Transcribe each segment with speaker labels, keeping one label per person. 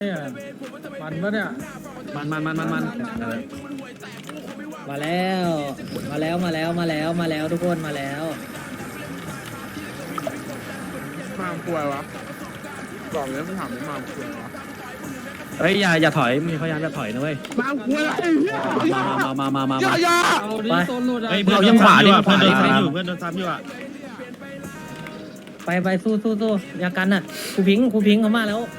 Speaker 1: เนี่ยมันปะเนี่ย
Speaker 2: มัน
Speaker 3: มาแล้วทุกคนมาแล้ว
Speaker 1: มากลัววะบอกเลยไม่ถามไม่มากลัววะ
Speaker 2: เฮ้ยอย่าถอยมีพยายามจะถอยนะเว้ย
Speaker 1: มากลัวอะไร
Speaker 2: มา
Speaker 1: อย่า
Speaker 3: ไป
Speaker 2: เฮ้ยเรายังขวาดิเพื่อนโดนซ้ำอยู่เพื่อนโดนซ้ำอยู่อ่ะ
Speaker 3: ไปสู้อย่ากันน่ะครูพิงเขามาแล้ว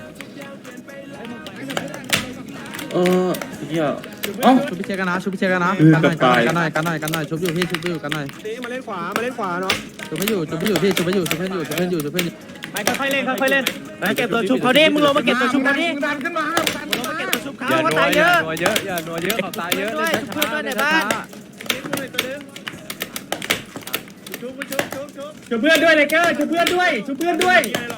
Speaker 2: เหี้ย
Speaker 1: ชุบพี่เชกันนะกันหน่อยชุบอยู่พี่ชุบอยู่กันหน่อยมาเล่นขวาเนาะชุบให้อยู่พี่ชุบให้อยู่
Speaker 2: ไปค่อยเล่นไปเก็บตัวชุบเขาดิมึงลงมาเก็บตัวชุบเขาดิ
Speaker 1: ดันขึ้นมา
Speaker 2: เขาตายเยอะ
Speaker 1: อย่านัวเยอะเขาตายเยอะเลย
Speaker 2: ชุบในบ้านชุบเพื่อนด้วยเลยเกอร์ชุบเพื่อนด้วยตายสวย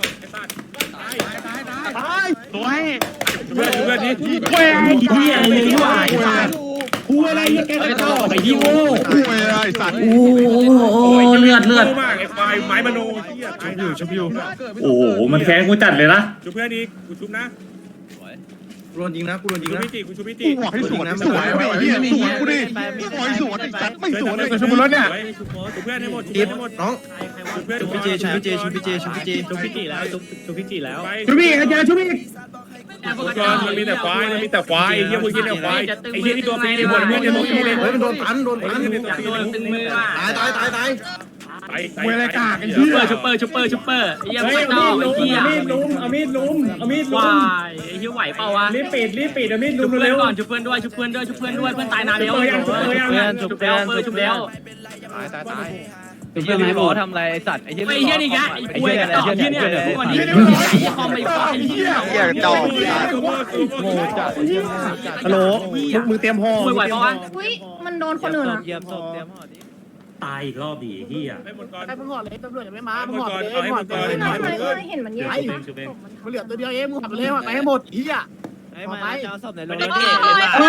Speaker 2: เพื่อนนี่แหวงเหี้ยเลยว่ะกูอะไรเนี่ยแกก็ต่อไปที่โง่กูอะไรสัตว์
Speaker 3: โอ้เลือด
Speaker 2: มากไอ้ไฟไม้มโนชุบอยู่
Speaker 4: โอ้โหมันแค้นกูจัดเลยนะ
Speaker 2: ชุบเพื่อนอีกกูชุบนะ
Speaker 1: กูโดนยิงนะ
Speaker 2: กูชุบพิจิ
Speaker 1: กูบอกให้สวนสวยไม่เหี้ยสวนกูดิกูบอกให้สวนไอ้สัตว์ไม่สวนเลยชุบรถเนี่ย
Speaker 2: ชุบเพื่อนให้หมด
Speaker 1: น้อง
Speaker 2: ชุบพี่จีแล้วชุบพี่จีแล้ว
Speaker 1: ชุบพี่เจอชุบพี่
Speaker 2: มันมีแต่ควายไอ้เหี้ยพวกนี้เนี่ยควายไอ้เหี้ยที่ตัวฟรีในหมดเพื่อนในหมดเลย
Speaker 1: มันโดนพัน
Speaker 2: ตึงมือ
Speaker 1: ตาย
Speaker 2: มวยอะไรกากไอ้เหี้ยชุปเปอร์ไอ้เหี้ยไม่ต้องไอ้เหี้ยเอามีดลุมว้ายไอ้เหี้ยไหวเปล่าวะรีบปิดเอามีดลุมเร็วก่อนชุบเพื่อนด้วยเพื่อนตายนานแล้วชุบแล้ว
Speaker 1: ตาย
Speaker 4: ไอ้เหี้ยนี่บอกทำอะไรไอ้สัตว์ไอ้เหี้ย
Speaker 2: นี่แกไอ้ป่วยต่อที่เนี่ยพวกนี้คอมไปไอ้เหี้ย
Speaker 1: จอก
Speaker 4: โง่จัด
Speaker 1: ฮัลโหลมึงเตรียมห่อ
Speaker 2: ไหวเปล่าวะ
Speaker 5: อุ้ยมันโดนคนอื่นอ่ะ
Speaker 4: เตรียมห่อดิ
Speaker 2: ตายอีกรอบดีเหี้ย
Speaker 1: ไอ้มึงห่อเลยตำรวจยังไม่มามึงห่อเลย
Speaker 5: เห็นมันแย่
Speaker 1: มันเหลือตัวเดียวเองมึงห่อเลยห่อไปให้หมดเหี้ย
Speaker 4: ไปจะเอาศพในรถ
Speaker 2: ไม่ได้เก่ง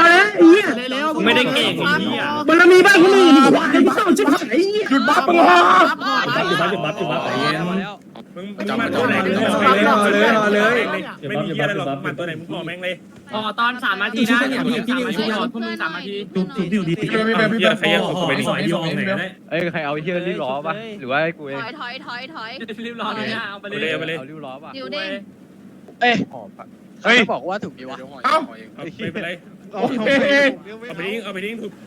Speaker 2: เหี้ย
Speaker 1: มันมีบ้านคนอื่นวะไอ้บ้าชิบหายหยุดบ้าปะ
Speaker 2: จุดบัฟไอ้เหี้ยมึงมาตัวไหนเลยไม่มีเหี้ยอะไรหรอกมาตัวไหนมึงห่อแม่งเลยตอน3 นาทีนะเนี่ยพี่นิวชุบพวกมึง3 นาทีชุบดีเหี้ยใครยังไปดิ
Speaker 4: ใครเอาเหี้ยรีบล้อป่ะหรือว่ากูเอง
Speaker 5: ถอย
Speaker 2: รีบล้อเลยนะเอาไปเลย
Speaker 4: เอารีบล้อป่ะ
Speaker 5: ดิวเด้ง
Speaker 4: เฮ้ยบอกว่าถูกดีวะ
Speaker 2: เอ้าไม่เป็นไรเอาไปทิ้งถูก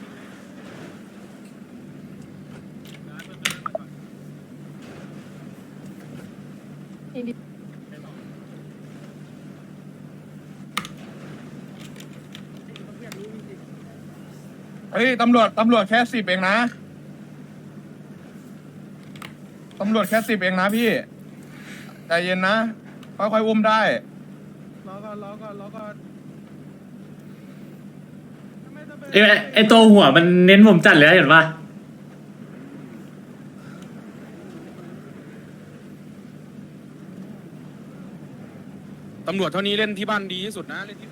Speaker 1: เฮ้ยตำรวจแค่10เองนะตำรวจแค่10เองนะพี่ใจเย็นนะค่อยๆอุ้มได้รอก่อน
Speaker 4: ไอตัวหัวมันเน้นผมจัดเลยเห็นป่ะ
Speaker 1: ตำรวจเท่านี้เล่นที่บ้านดีที่สุดนะเล่นที่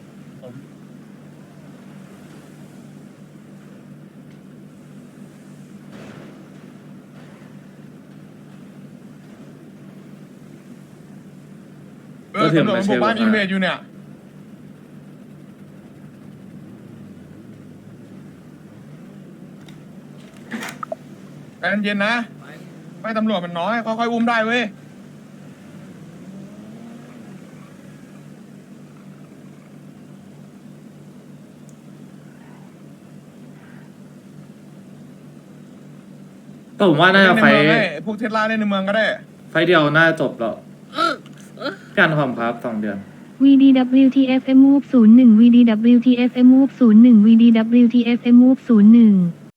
Speaker 1: ตำรวจมันบุกบ้านอินเวดอยู่เนี่ยใจเย็นๆนะไม่ตำรวจมันน้อยค่อยๆอุ้มได้เว้ย
Speaker 4: ก็ผมว่าน่าจะไฟ
Speaker 1: พวกเทสลาในเมืองก็ได้
Speaker 4: ไฟเดียวน่าจะจบแล้วการความครับ2 เดือน
Speaker 6: VDWTFM Move 01 VDWTFM Move 01 VDWTFM Move 01